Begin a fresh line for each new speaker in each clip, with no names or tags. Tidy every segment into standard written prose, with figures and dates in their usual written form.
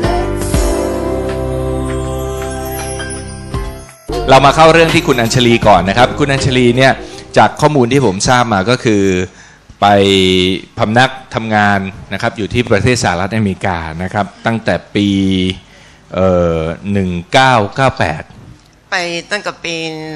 เรามาเข้าเรื่องที่คุณอัญชลีก่อนนะครับคุณอัญชลีเนี่ยจากข้อมูลที่ผมทราบมาก็คือไปพำนักทำงานนะครับอยู่ที่ประเทศสหรัฐอเมริกานะครับตั้งแต่ปี1998ไป
ตั้งแต่ปี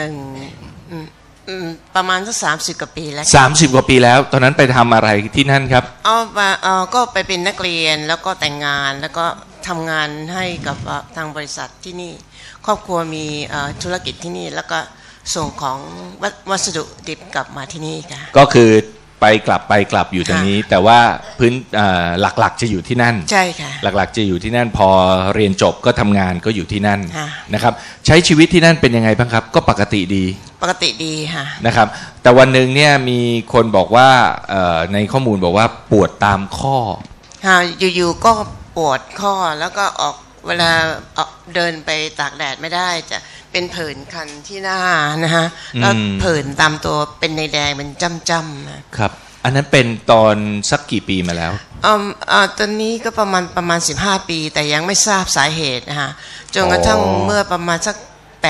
ประมาณสัก30 กว่าปีแล้ว
30 กว่าปีแล้วตอนนั้นไปทำอะไรที่นั่นครับ
ก็ไปเป็นนักเรียนแล้วก็แต่งงานแล้วก็ทำงานให้กับทางบริษัทที่นี่ครอบครัวมีธุรกิจที่นี่แล้วก็ส่งของวัสดุดิบกลับมาที่นี่ค่ะ
ก็คือไปกลับอยู่ตรงนี้แต่ว่าพื้นหลักๆจะอยู่ที่นั่น
ใช่ค่ะ
หลักๆจะอยู่ที่นั่นพอเรียนจบก็ทำงานก็อยู่ที่นั่นนะครับใช้ชีวิตที่นั่นเป็นยังไงบ้างครับก็ปกติดี
ค่ะ
นะครับแต่วันหนึ่งเนี่ยมีคนบอกว่าในข้อมูลบอกว่าปวดตามข้อ
อยู่ๆก็ปวดข้อแล้วก็เวลาเดินไปตากแดดไม่ได้จะเป็นผื่นคันที่หน้านะฮะแล้วผื่นตามตัวเป็นในแดงเป็นจ้ำๆ
นะครับอันนั้นเป็นตอนสักกี่ปีมาแล้ว
ตอนนี้ก็ประมาณ15 ปีแต่ยังไม่ทราบสาเหตุนะฮะจนกระทั่งเมื่อประมาณสัก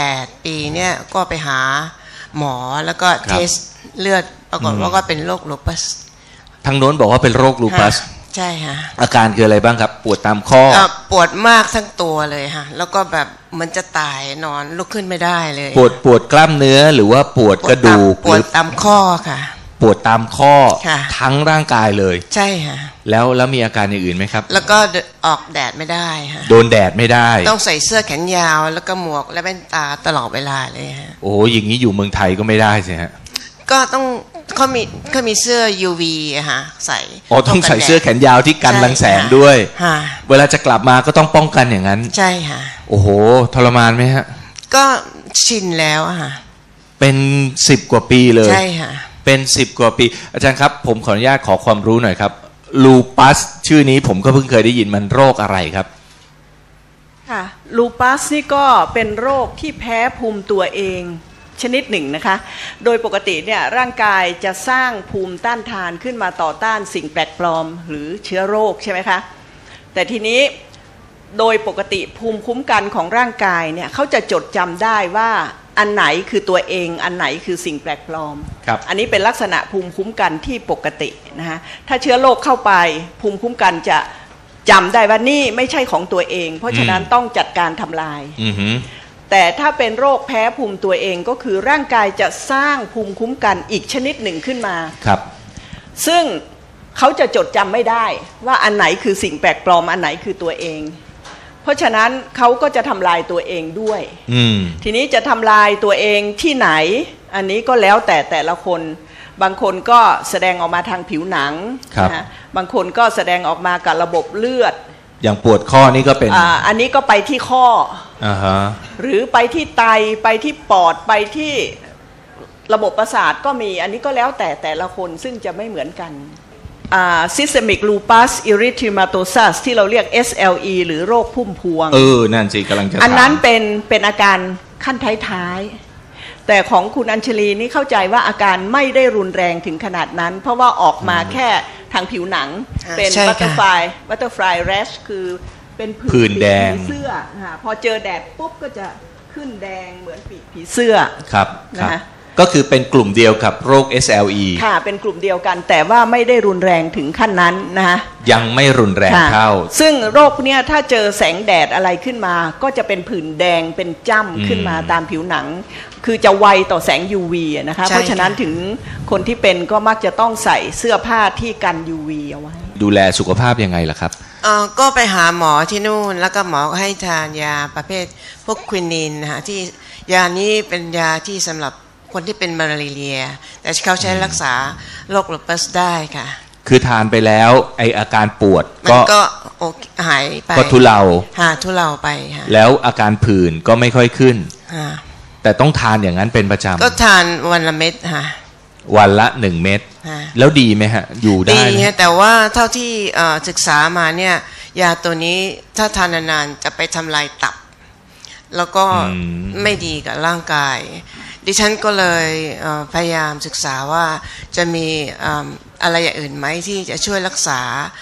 8 ปีเนี่ยก็ไปหาหมอแล้วก็เทสเลือดปรากฏว่าก็เป็นโรคลูปัส
ทางโน้นบอกว่าเป็นโรคลูปัส
ใช่ฮะ
อาการคืออะไรบ้างครับปวดตามข้อ
ปวดมากทั้งตัวเลยฮะแล้วก็แบบมันจะตายนอนลุกขึ้นไม่ได้เลย
ปวดกล้ามเนื้อหรือว่าปวดกระดูก
ปวดตามข้อค่ะ
ปวดตามข้อทั้งร่างกายเลย
ใช่ฮะ
แล้วมีอาการอย่างอื่นไหมครับ
แล้วก็ออกแดดไม่ได้ฮะ
โดนแดดไม่ได้
ต้องใส่เสื้อแขนยาวแล้วก็หมวกและแว่นตาตลอดเวลาเลยฮะ
โอ้อย่างนี้อยู่เมืองไทยก็ไม่ได้สิฮะ
ก็ต้องเขามีเสื้อ UV อะฮะใส่
ต้องใส่เสื้อแขนยาวที่กันรังแสงด้วยเวลาจะกลับมาก็ต้องป้องกันอย่างนั้น
ใช่ค่ะ
โอ้โหทรมานไหมฮะ
ก็ชินแล้วอะฮะ
เป็น10 กว่าปีเลย
ใช่ค่ะ
เป็น10 กว่าปีอาจารย์ครับผมขออนุญาตขอความรู้หน่อยครับลูปัสชื่อนี้ผมก็เพิ่งเคยได้ยินมันโรคอะไรครับ
ค่ะลูปัสนี่ก็เป็นโรคที่แพ้ภูมิตัวเองชนิดหนึ่งนะคะโดยปกติเนี่ยร่างกายจะสร้างภูมิต้านทานขึ้นมาต่อต้านสิ่งแปลกปลอมหรือเชื้อโรคใช่ไหมคะแต่ทีนี้โดยปกติภูมิคุ้มกันของร่างกายเนี่ยเขาจะจดจำได้ว่าอันไหนคือตัวเองอันไหนคือสิ่งแปลกปลอมอันนี้เป็นลักษณะภูมิคุ้มกันที่ปกตินะคะถ้าเชื้อโรคเข้าไปภูมิคุ้มกันจะจำได้ว่านี่ไม่ใช่ของตัวเองเพราะฉะนั้นต้องจัดการทำลายแต่ถ้าเป็นโรคแพ้ภูมิตัวเองก็คือร่างกายจะสร้างภูมิคุ้มกันอีกชนิดหนึ่งขึ้นมา
ครับ
ซึ่งเขาจะจดจำไม่ได้ว่าอันไหนคือสิ่งแปลกปลอมอันไหนคือตัวเองเพราะฉะนั้นเขาก็จะทำลายตัวเองด้วยทีนี้จะทำลายตัวเองที่ไหนอันนี้ก็แล้วแต่ละคนบางคนก็แสดงออกมาทางผิวหนังนะบางคนก็แสดงออกมากับระบบเลือด
อย่างปวดข้อนี่ก็เป็น
อันนี้ก็ไปที่ข้อหรือไปที่ไตไปที่ปอดไปที่ระบบประสาทก็มีอันนี้ก็แล้วแต่ละคนซึ่งจะไม่เหมือนกันsystemic lupus erythematosus ที่เราเรียก SLE หรือโรคพุ่มพวง
นั่นสิกำลังจะ
อันนั้นเป็นอาการขั้นท้ายๆแต่ของคุณอัญชลีนี่เข้าใจว่าอาการไม่ได้รุนแรงถึงขนาดนั้นเพราะว่าออกมาแค่ทางผิวหนังเป็น butterfly rash คือเป็น
ผื่นแดง
ผีเสื้อพอเจอแดดปุ๊บก็จะขึ้นแดงเหมือนปีกผีเสื้อ
ครับนะก็คือเป็นกลุ่มเดียวกับโรค SLE
ค่ะเป็นกลุ่มเดียวกันแต่ว่าไม่ได้รุนแรงถึงขั้นนั้นนะคะ
ยังไม่รุนแรงเท่า
ซึ่งโรคเนี้ยถ้าเจอแสงแดดอะไรขึ้นมาก็จะเป็นผื่นแดงเป็นจ้ำขึ้นมาตามผิวหนังคือจะไวต่อแสง UV นะคะเพราะฉะนั้นถึงคนที่เป็นก็มักจะต้องใส่เสื้อผ้าที่กัน UV เอาไว้
ดูแลสุขภาพยังไงล่ะครับ
ก็ไปหาหมอที่นู่นแล้วก็หมอให้ทานยาประเภทพวกควินินนะคะที่ยานี้เป็นยาที่สำหรับคนที่เป็นมาลาเรียแต่เขาใช้รักษาโรคลูปัสได้ค่ะ
คือทานไปแล้วไออาการปวด
ก็หายไป
ก็ทุเลา
ไปค่ะ
แล้วอาการผื่นก็ไม่ค่อยขึ้นแต่ต้องทานอย่างนั้นเป็นประจำ
ก็ทานวันละเม็ดค่ะ
วันละ1 เม็ดแล้วดีไหมฮะอยู่ได้
ดีแต่ว่าเท่าที่ศึกษามาเนี่ยยาตัวนี้ถ้าทานนานๆจะไปทำลายตับแล้วก็ไม่ดีกับร่างกายดิฉันก็เลยพยายามศึกษาว่าจะมีอะไรอย่างอื่นไหมที่จะช่วยรักษา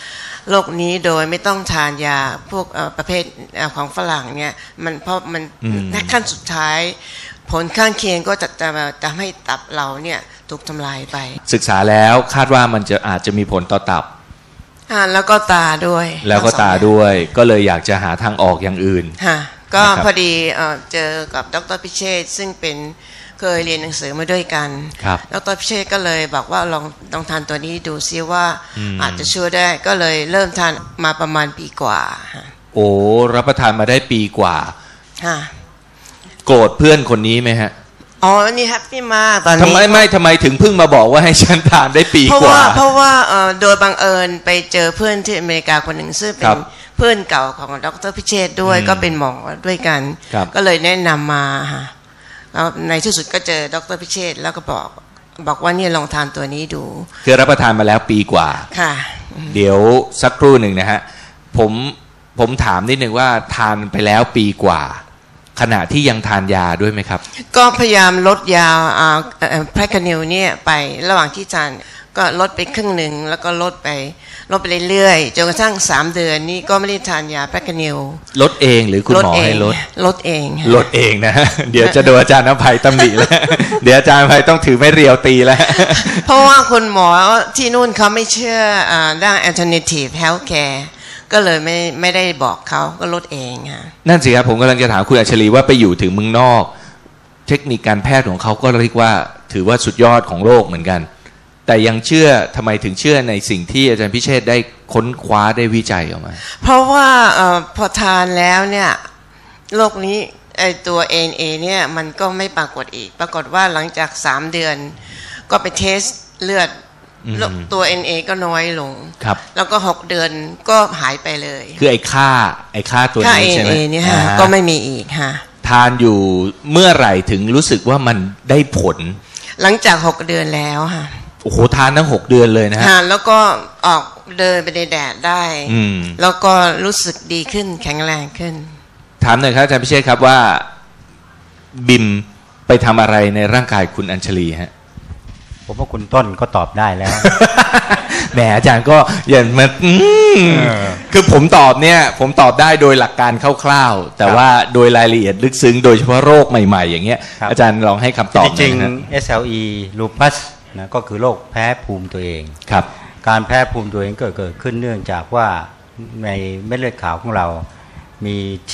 โรคนี้โดยไม่ต้องทานยาพวกประเภทของฝรั่งเนี่ยมันเพราะมันขั้นสุดท้ายผลข้างเคียงก็จะทำให้ตับเราเนี่ยถูกทำลายไป
ศึกษาแล้วคาดว่ามันจะอาจจะมีผลต่อตับ
แล้วก็ตาด้วย
แล้วก็ตาด้วยก็เลยอยากจะหาทางออกอย่างอื่น
ก็พอดีเจอกับดร.พิเชษซึ่งเป็นเคยเรียนหนังสือมาด้วยกันดร.พิเชษก็เลยบอกว่าลองทานตัวนี้ดูซิว่าอาจจะช่วยได้ก็เลยเริ่มทานมาประมาณปีกว่า
โอ้รับประทานมาได้ปีกว่าโกรธเพื่อนคนนี้ไหมฮะ
อ๋อนี่แฮปปี้มากตอนนี้
ทำไมถึงเพิ่งมาบอกว่าให้ฉันทานได้ปีกว่า
เพราะว่าโดยบังเอิญไปเจอเพื่อนที่อเมริกาคนหนึ่งซึ่งเป็นเพื่อนเก่าของดร.พิเชษด้วยก็เป็นหมอด้วยกันก็เลยแนะนำมาแล้วในที่สุดก็เจอดร.พิเชษแล้วก็บอกว่าเนี่ยลองทานตัวนี้ดู
คือรับประทานมาแล้วปีกว่า
ค่ะ
เดี๋ยวสักครู่หนึ่งนะฮะผมถามนิดนึงว่าทานไปแล้วปีกว่าขณะที่ยังทานยาด้วยไหมครับ
ก็พยายามลดยาแพรคานิลเนี่ยไประหว่างที่ทานก็ลดไปครึ่งหนึ่งแล้วก็ลดไปเรื่อยๆจนกระทั่ง3 เดือนนี้ก็ไม่ได้ทานยาแพรคานิล
ลดเองหรือคุณหมอให้
ลดเอง
นะเดี๋ยวจะโดนอาจารย์อภัยตำหนิแล้วเดี๋ยวอาจารย์อภัยต้องถือไม้เรียวตีแล้ว
เพราะว่าคุณหมอที่นู่นเขาไม่เชื่อด้าน alternative healthcareก็เลยไม่ได้บอกเขาก็ลดเองค่ะ
นั่นสิครับผมกำลังจะถามคุณอัญชลีว่าไปอยู่ถึงเมืองนอกเทคนิคการแพทย์ของเขาก็เรียกว่าถือว่าสุดยอดของโลกเหมือนกันแต่ยังเชื่อทำไมถึงเชื่อในสิ่งที่อาจารย์พิเชษได้ค้นคว้าได้วิจัยออกมา
เพราะว่าพอทานแล้วเนี่ยโรคนี้ตัว ANA เนี่ยมันก็ไม่ปรากฏอีกปรากฏว่าหลังจาก3 เดือนก็ไปเทสเลือดตัว NA ก็น้อยลงแล้วก็6 เดือนก็หายไปเลย
คือไอ้ค่าตัวนี้ใช่ไหม
เนี่ยก็ไม่มีอีกฮะ
ทานอยู่เมื่อไหร่ถึงรู้สึกว่ามันได้ผล
หลังจาก6 เดือนแล้วค่ะ
โอ้โหทานทั้ง6 เดือนเลยนะฮะ
แล้วก็ออกเดินไปในแดดได้แล้วก็รู้สึกดีขึ้นแข็งแรงขึ้น
ถามหน่อยครับอาจารย์พิเชษครับว่าบิมไปทำอะไรในร่างกายคุณอัญชลีฮะ
ผมว่าคุณต้นก็ตอบได้แล้ว
แหมอาจารย์ก็อย่างมันคือผมตอบได้โดยหลักการคร่าวๆแต่ว่าโดยรายละเอียดลึกซึ้งโดยเฉพาะโรคใหม่ๆอย่างเงี้ยอาจารย์ลองให้คำตอบ
จริงๆ SLE lupus นะก็คือโรคแพ้ภูมิตัวเอง
ครับ
การแพ้ภูมิตัวเองเกิดขึ้นเนื่องจากว่าในเม็ดเลือดขาวของเรามี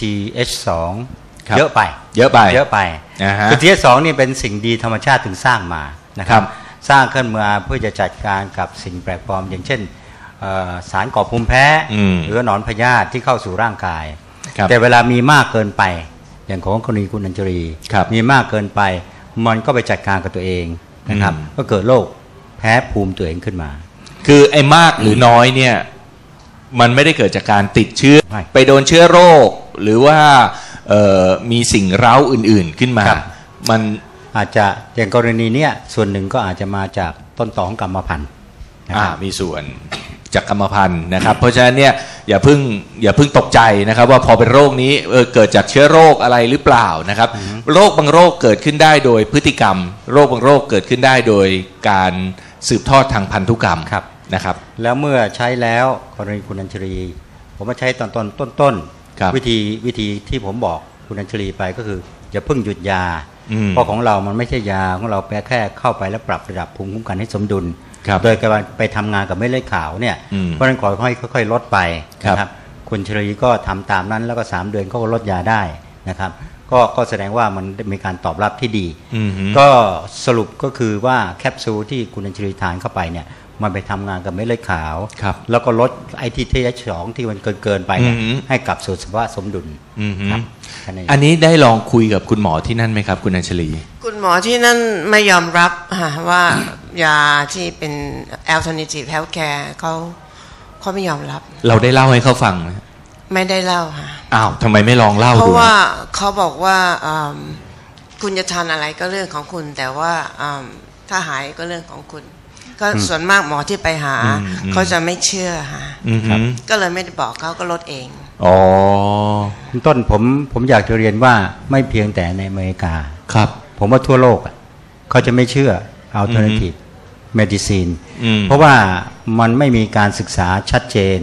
TH2 เยอะไปคือ TH2 นี่เป็นสิ่งดีธรรมชาติถึงสร้างมานะครับสร้างขึ้นมาเพื่อจะจัดการกับสิ่งแปลกปลอมอย่างเช่นสารก่อภูมิแพ้หรือหนอนพยาธิที่เข้าสู่ร่างกายแต่เวลามีมากเกินไปอย่างของกรณีคุณอัญชลีมีมากเกินไปมันก็ไปจัดการกับตัวเองนะครับก็เกิดโรคแพ้ภูมิตัวเองขึ้นมา
คือไอ้มากหรือน้อยเนี่ยมันไม่ได้เกิดจากการติดเชื้อไปโดนเชื้อโรคหรือว่ามีสิ่งเร้าอื่นๆขึ้นมามัน
อาจจะอย่างกรณีเนี้ยส่วนหนึ่งก็อาจจะมาจากต้นตอของกรรมพันธุ์
มีส่วนจากกรรมพันธุ์นะครับเพราะฉะนั้นเนี่ยอย่าเพิ่งตกใจนะครับว่าพอเป็นโรคนี้เกิดจากเชื้อโรคอะไรหรือเปล่านะครับโรคบางโรคเกิดขึ้นได้โดยพฤติกรรมโรคบางโรคเกิดขึ้นได้โดยการสืบทอดทางพันธุกรรมนะครับ
แล้วเมื่อใช้แล้วกรณีคุณอัญชลีผมมาใช้ต้นวิธีที่ผมบอกคุณอัญชลีไปก็คืออย่าเพิ่งหยุดยาเพราะของเรามันไม่ใช่ยาของเราแค่เข้าไปแล้วปรับระดับภูมิคุ้มกันให้สมดุลโดยการไปทำงานกับเม็ดเลือดขาวเนี่ยเพราะฉะนั้นค่อยลดไปนะครับคุณชลีก็ทำตามนั้นแล้วก็3 เดือนก็ลดยาได้นะครับก็แสดงว่ามันมีการตอบรับที่ดีก็สรุปก็คือว่าแคปซูลที่คุณอัญชลีทานเข้าไปเนี่ยมันไปทำงานกับเม็ดเลือดขาวแล้วก็ลดไอที่TH2ที่มันเกินไปให้กลับสู่สภาวะสมดุล
ครับอันนี้ได้ลองคุยกับคุณหมอที่นั่นไหมครับคุณอัญชลี
คุณหมอที่นั่นไม่ยอมรับว่ายาที่เป็น alternative healthcare เขาไม่ยอมรับ
เราได้เล่าให้เขาฟังไหม
ไม่ได้เล่าค่ะ
อ้าวทำไมไม่ลองเล่าดู
เพราะว่าเขาบอกว่าคุณจะทานอะไรก็เรื่องของคุณแต่ว่าถ้าหายก็เรื่องของคุณก็ส่วนมากหมอที่ไปหาเขาจะไม่เชื่อค่ะก็เลยไม่ได้บอกเขาก็ลดเอง
อ๋อ
คุณต้นผมอยากจะเรียนว่าไม่เพียงแต่ในอเมริกา
ครับ
ผมว่าทั่วโลกเขาจะไม่เชื่อ alternative medicine เพราะว่ามันไม่มีการศึกษาชัดเจน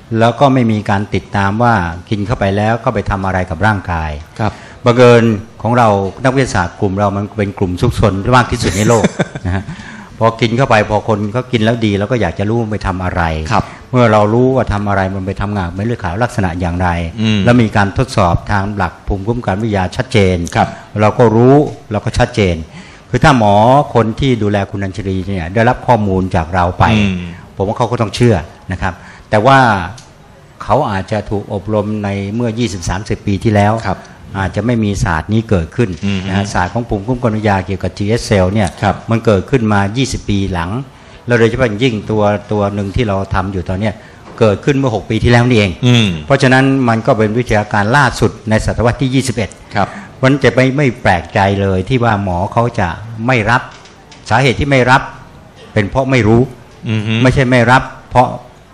แล้วก็ไม่มีการติดตามว่ากินเข้าไปแล้วก็ไปทำอะไรกับร่างกาย
ครับ
บังเอิญของเรานักวิทยาศาสตร์กลุ่มเรามันเป็นกลุ่มซุกซนมากที่สุดในโลก นะฮะพอกินเข้าไปพอคนเขากินแล้วดีแล้วก็อยากจะรู้มันไปทำอะไร เมื่อเรารู้ว่าทำอะไรมันไปทำงานเม็ดเลือดขาวลักษณะอย่างไรแล้วมีการทดสอบทางหลักภูมิคุ้มกันวิทยาชัดเจนเราก็รู้เราก็ชัดเจนคือถ้าหมอคนที่ดูแลคุณอัญชลีเนี่ยได้รับข้อมูลจากเราไปผมว่าเขาก็ต้องเชื่อนะครับแต่ว่าเขาอาจจะถูกอบรมในเมื่อ 20-30 ปีที่แล้วอาจจะไม่มีศาสตร์นี้เกิดขึ้นนะฮะศาสตร์ของภูมิคุ้มกันวิทยาเกี่ยวกับ GS cell เนี่ยมันเกิดขึ้นมา20 ปีหลังแล้วโดยเฉพาะยิ่งตัวหนึ่งที่เราทำอยู่ตอนนี้เกิดขึ้นเมื่อ6 ปีที่แล้วนี่เองเพราะฉะนั้นมันก็เป็นวิทยาการล่าสุดในศตวรรษที่21ครับมันจะไม่แปลกใจเลยที่ว่าหมอเขาจะไม่รับสาเหตุที่ไม่รับเป็นเพราะไม่รู้ไม่ใช่ไม่รับเพราะ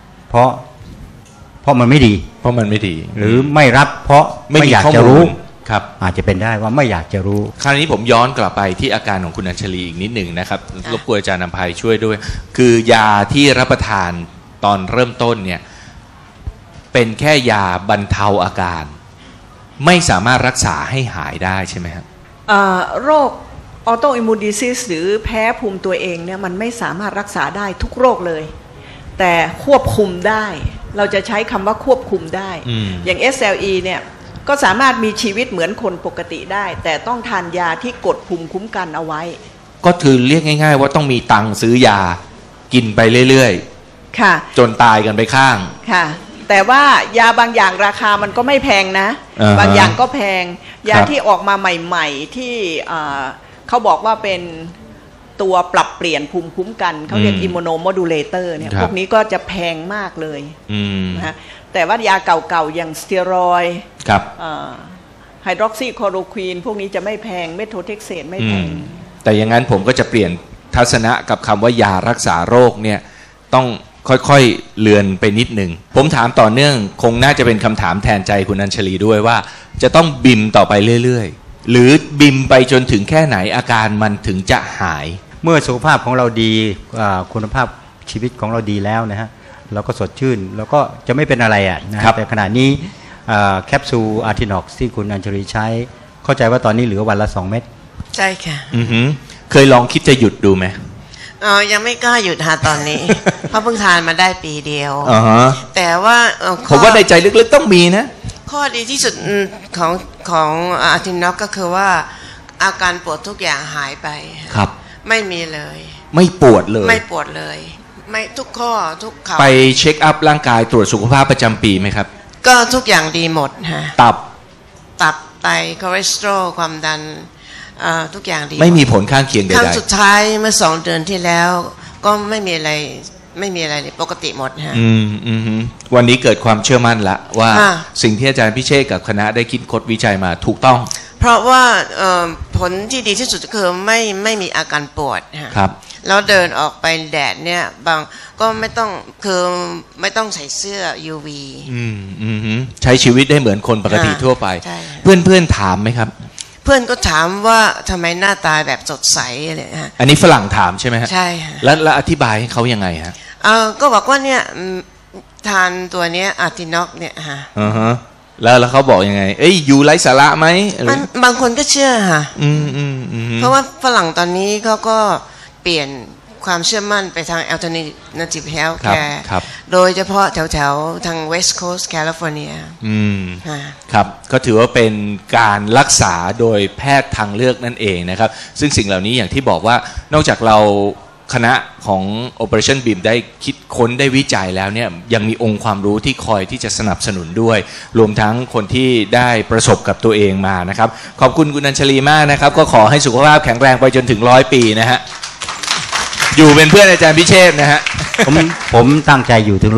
มันไม่ดี
เพราะมันไม่ดี
หรือไม่รับเพราะไม่อยากจะรู้
ครับ
อาจจะเป็นได้ว่าไม่อยากจะรู้
คราวนี้ผมย้อนกลับไปที่อาการของคุณอัญชลีอีกนิดหนึ่งนะครับรบกวนอาจารย์นำภัยช่วยด้วยคือยาที่รับประทานตอนเริ่มต้นเนี่ยเป็นแค่ยาบรรเทาอาการไม่สามารถรักษาให้หายได้ใช่ไหมครับ
โรคออโตอิมมูนดิซิสหรือแพ้ภูมิตัวเองเนี่ยมันไม่สามารถรักษาได้ทุกโรคเลยแต่ควบคุมได้เราจะใช้คำว่าควบคุมได้อย่าง SLE เนี่ยก็สามารถมีชีวิตเหมือนคนปกติได้แต่ต้องทานยาที่กดภูมิคุ้มกันเอาไว้
ก็คือเรียกง่ายๆว่าต้องมีตังค์ซื้อยากินไปเรื่อยๆค่ะจนตายกันไปข้าง
ค่ะแต่ว่ายาบางอย่างราคามันก็ไม่แพงนะบางอย่างก็แพงยาที่ออกมาใหม่ๆที่เขาบอกว่าเป็นตัวปรับเปลี่ยนภูมิคุ้มกันเขาเรียกอิมมูโนโมดูเลเตอร์เนี่ยพวกนี้ก็จะแพงมากเลยนะฮะแต่ว่ายาเก่าๆอย่างสเตียรอยด์ไฮดรอกซีคลอโรควีนพวกนี้จะไม่แพงเมโทเทกเซตไม่แพง
แต่อย่างนั้นผมก็จะเปลี่ยนทัศนะกับคำว่ายารักษาโรคเนี่ยต้องค่อยๆเลือนไปนิดหนึ่งผมถามต่อเนื่องคงน่าจะเป็นคำถามแทนใจคุณอัญชลีด้วยว่าจะต้องบิมต่อไปเรื่อยๆหรือบิมไปจนถึงแค่ไหนอาการมันถึงจะหาย
เมื่อสุขภาพของเราดีคุณภาพชีวิตของเราดีแล้วนะฮะเราก็สดชื่นแล้วก็จะไม่เป็นอะไรอ่ะนะแต่ขณะนี้แคปซูลอาร์ทินอกซ์ที่คุณอัญชลีใช้เข้าใจว่าตอนนี้เหลือวันละ2 เม็ด
ใช่ค่ะ
เคยลองคิดจะหยุดดูไหม
ยังไม่กล้าหยุดหาตอนนี้ เพราะเพิ่งทานมาได้ปีเดียวแต่ว่า
ผมว่าในใจลึกๆต้องมีนะ
ข้อดีที่สุดของอาร์ทินอกก็คือว่าอาการปวดทุกอย่างหายไป
ครับ
ไม่มีเลย
ไม่ปวดเลย
ไม่ปวดเลยไม่ทุกข้อทุกขา
ไปเช็คอัพร่างกายตรวจสุขภาพประจำปีไหมครับ
ก็ทุกอย่างดีหมดฮะ
ตับ
ไตคอเลสเตอรอลความดันทุกอย่างดี
ไม่มีผลข้างเคียงใดๆ
ครั้งสุดท้ายเมื่อ2 เดือนที่แล้วก็ไม่มีอะไรเลยปกติหมดฮะ
วันนี้เกิดความเชื่อมั่นละว่าสิ่งที่อาจารย์พิเชษกับคณะได้คิดค้นวิจัยมาถูกต้อง
เพราะว่าผลที่ดีที่สุดคือไม่มีอาการปวด
ครับ
แล้วเดินออกไปแดดเนี่ยบางก็ไม่ต้องใส่เสื้อ UV
ใช้ชีวิตได้เหมือนคนปกติทั่วไปเพื่อนถามไหมครับ
เพื่อนก็ถามว่าทำไมหน้าตาแบบสดใสอะไรฮะ
อันนี้ฝรั่งถามใช่ไหมฮะ
ใช่
แล้วอธิบายให้เขายังไงฮะ
ก็บอกว่าเนี่ยทานตัวเนี้ยอาร์ทินอกเนี่ยฮะ
แล้วเขาบอกยังไงอยู่ไร้สาระไหม
บางคนก็เชื่อค่ะเพราะว่าฝรั่งตอนนี้เขาก็เปลี่ยนความเชื่อมั่นไปทาง alternative health care โดยเฉพาะแถวทาง West Coast California
ครับก็ถือว่าเป็นการรักษาโดยแพทย์ทางเลือกนั่นเองนะครับซึ่งสิ่งเหล่านี้อย่างที่บอกว่านอกจากเราคณะของ Operation BIM ได้คิดค้นได้วิจัยแล้วเนี่ยยังมีองค์ความรู้ที่คอยที่จะสนับสนุนด้วยรวมทั้งคนที่ได้ประสบกับตัวเองมานะครับขอบคุณคุณอัญชลีมากนะครับก็ขอให้สุขภาพแข็งแรงไปจนถึง100 ปีนะฮะอยู่เป็นเพื่อนอาจารย์พิเชษนะฮะ
ผมตั้งใจอยู่ถึง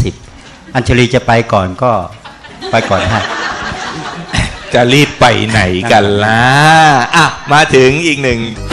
120อัญชลีจะไปก่อนก็ไปก่อนฮะ
จะรีบไปไหนกันล่ะมาถึงอีกหนึ่ง